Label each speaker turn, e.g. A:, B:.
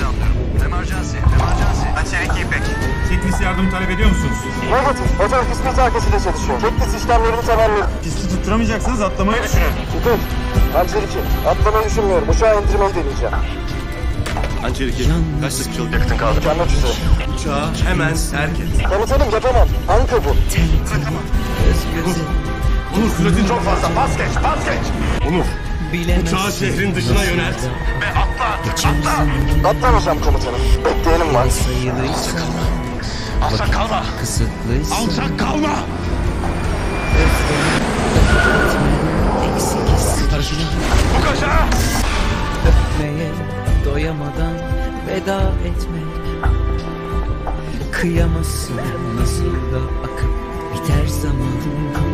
A: planlıyorum. Emergency, emergency. Çelik İpek.
B: Checklist yardım talep ediyor musunuz?
C: Negatif. Motor kısmı arkasıyla çalışıyor. Checklist işlemlerini tamamladım.
B: Pisti tutturamayacaksınız, atlamayı düşünün.
C: İpek. Hançer 2. Atlamayı düşünmüyorum. Uçağı indirmeyi deneyeceğim.
D: Hançer 2. Kaç dakikalık yakıtın kaldı?
C: Mükemmel üzere.
D: Uçağı hemen terk et.
C: Komutanım yapamam. Anka bu.
D: Onur süretin çok fazla. Pas geç, pas geç. Onur. Uçağı şehrin dışına yönelt. Ve atla.
C: Atlamayacağım komutanım. Bekleyenim var.
D: Alçak kalma. Alçak kalma. Bu kaşa.
E: Öpmeye doyamadan veda etme. Kıyamazsın nasıl da akıp biter zaman.